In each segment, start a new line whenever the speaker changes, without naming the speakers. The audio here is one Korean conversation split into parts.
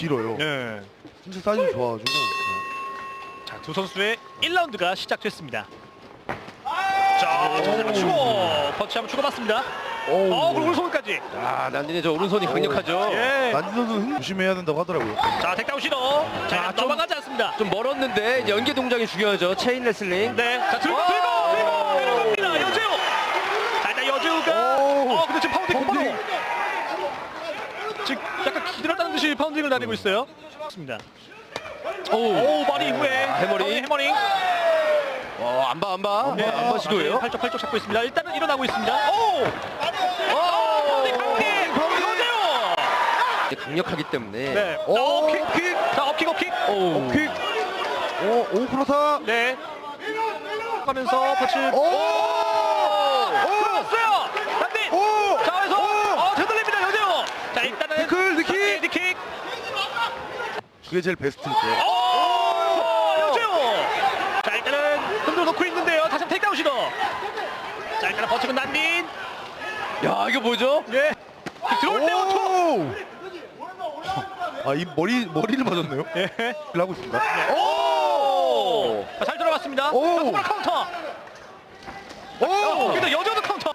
길어요.
네.
진짜 사이즈 좋아가지고.
자, 두 선수의 1라운드가 시작됐습니다. 자, 자세로 치고 펀치 한번 주고받습니다. 그리고 오른손까지.
아, 난딘의 저 오른손이 강력하죠.
예.
난진 선수는 조심해야 된다고 하더라고요.
자, 택다운 시도. 자,
좀-
넘어가지 않습니다.
좀 멀었는데 이제 연계 동작이 중요하죠. 체인 레슬링.
네. 자, 들고 내려갑니다. 여재우. 자, 일단 여재우가 근데 지금 파운딩 곧바로. 지금 약간 기다렸다는 듯이 파운딩을 다니고 있어요. 좋습니다. 오, 머리 이후에
해머링.
해머링.
안 봐.
네,
안 봐 시도예요.
팔쪽 잡고 있습니다. 일단은 일어나고 있습니다. 여재우.
이제 강력하기 때문에.
네. 킥. 자, 업킥.
킥. 오 그렇다.
네. 하면서 펀치. 들어왔어요. 난딘. 자, 그래서 되돌립니다. 여재우. 자, 일단은 니킥.
그게 제일 베스트일 거예요.
여재우. 자, 일단은 흔들어 놓고 있는데요. 다시 한번 테이크다운 시도. 자, 일단은 버티고 난딘.
야, 이거 뭐죠?
예. 들어올 때 오토.
아이 머리를 맞았네요.
예.
하고 있습니다.
자, 잘 들어갔습니다. 자,
오.
손가락 카운터. 근데 여자도 카운터.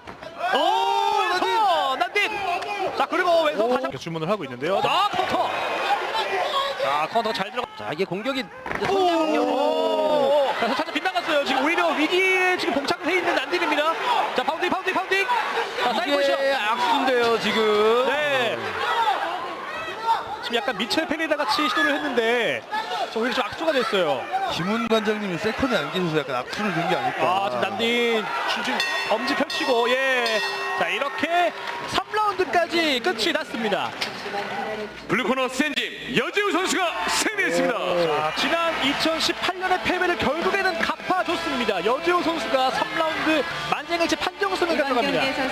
난딘. 자, 그리고 왼손 다시 한번 주문을 하고 있는데요. 카운터. 자, 카운터 잘 들어가.
자, 이게 공격이 성장력.
자, 살짝 빗나갔어요. 지금 오히려 위기에 지금 봉착해 있는 난딘입니다. 자, 파운딩. 자, 사이드 포지션.
이게 악수인데요, 지금.
네. 지금 약간 미첼 페레이라 같이 시도를 했는데 오히려 좀 악수가 됐어요.
김훈 관장님이 세컨에 안 계셔서 약간 악수를 든 게 아닐까.
지금 난딘 지금 엄지 펼치고 자, 이렇게 3라운드까지 끝이 났습니다.
블루코너 센짐 여재우 선수가 승리했습니다.
자, 지난 2018년의 패배를 결국에는 갚아줬습니다. 여재호 선수가 3라운드 만장일치 판정승을 가져갑니다.